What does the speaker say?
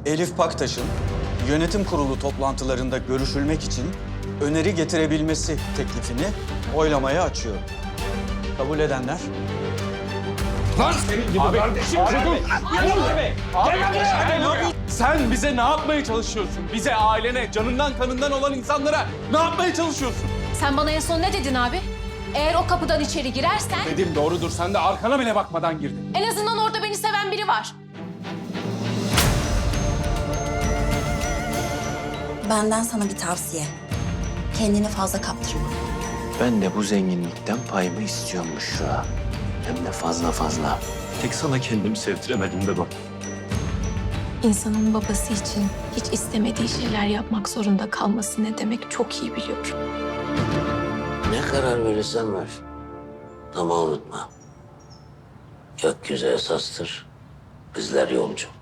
Elif Paktaş'ın yönetim kurulu toplantılarında görüşülmek için öneri getirebilmesi teklifini oylamaya açıyorum. Kabul edenler? Lan senin gibi kardeşim. Sen bize ne yapmaya çalışıyorsun? Bize, ailene, canından kanından olan insanlara ne yapmaya çalışıyorsun? Sen bana en son ne dedin abi? Eğer o kapıdan içeri girersen Dedim doğrudur, sen de arkana bile bakmadan girdin. en azından orada beni seven biri var. Benden sana bir tavsiye. Kendini fazla kaptırma. Ben de bu zenginlikten payımı istiyormuş şu an. Hem de fazla fazla. Tek sana kendimi sevdiremedim be bak. İnsanın babası için hiç istemediği şeyler yapmak zorunda kalması ne demek çok iyi biliyorum. Ne karar verirsen ver. Ama unutma. Gökyüzü esastır, bizler yolcu.